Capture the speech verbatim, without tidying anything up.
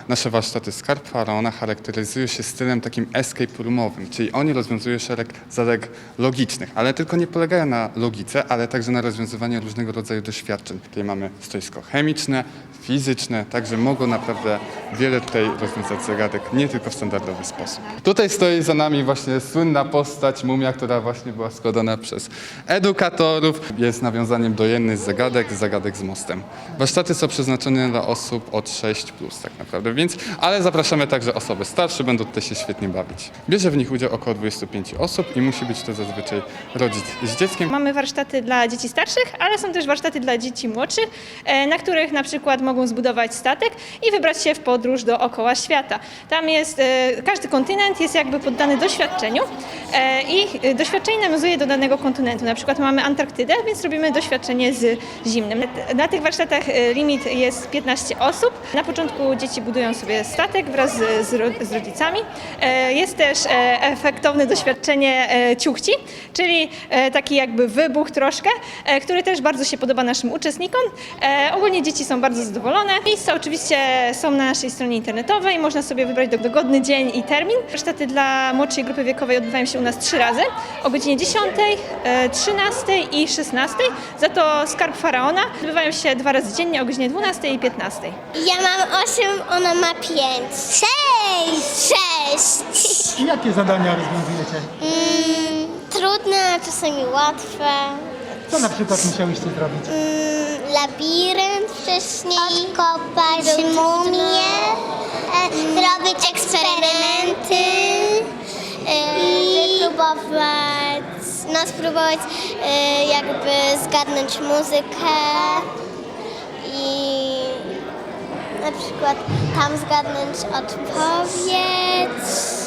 nasze warsztaty Skarb Faraona charakteryzują się stylem takim escape roomowym, czyli oni rozwiązują szereg zagadek logicznych, ale tylko nie polegają na logice, ale także na rozwiązywaniu różnego rodzaju doświadczeń. Tutaj mamy stoisko chemiczne, fizyczne, także mogą naprawdę wiele tutaj rozwiązać zagadek, nie tylko w standardowy sposób. Tutaj stoi za nami właśnie słynna postać mumia, która właśnie była składana przez edukatorów. Jest nawiązaniem do jednej z zagadek, zagadek z mostem. Warsztaty są przeznaczone dla osób od sześć plus tak naprawdę, więc, ale zapraszamy także osoby starsze, będą tutaj się świetnie bawić. Bierze w nich udział około dwudziestu pięciu osób i musi być to zazwyczaj rodzic z dzieckiem. Mamy warsztaty dla dzieci starszych, ale są też warsztaty dla dzieci młodszych, e, na których na przykład mogą zbudować statek i wybrać się w podróż dookoła świata. Tam jest, e, każdy kontynent jest jakby poddany doświadczeniu e, i doświadczenie nawiązuje do danego kontynentu. Na przykład mamy Antarktydę, więc robimy doświadczenie z zimnym. Na tych warsztatach e, limit jest piętnaście osób. Na początku dzieci budują sobie statek wraz z, z, ro, z rodzicami. E, jest też e, efektowne doświadczenie e, ciuchci, czyli e, taki jakby wybuch troszkę, e, który też bardzo się podoba naszym uczestnikom. E, ogólnie dzieci są bardzo zadowolone. Miejsca oczywiście są na naszej stronie internetowej, można sobie wybrać dogodny dzień i termin. Warsztaty dla młodszej grupy wiekowej odbywają się u nas trzy razy, o godzinie dziesiątej, e, trzynastej i szesnastej. Za to Skarb Faraona odbywają się dwa razy dziennie o godzinie dwunastej i piętnastej. Ja mam osiem, ona ma pięć. Sześć! Sześć! I jakie zadania rozwiązujecie? Mm, trudne, a czasami łatwe. Co na przykład musiałyście zrobić? Mm, labirynt wcześniej. Odkopać mumię. E, zrobić eksperymenty. E, wypróbować, no spróbować e, jakby zgadnąć muzykę. I na przykład tam zgadnąć odpowiedź.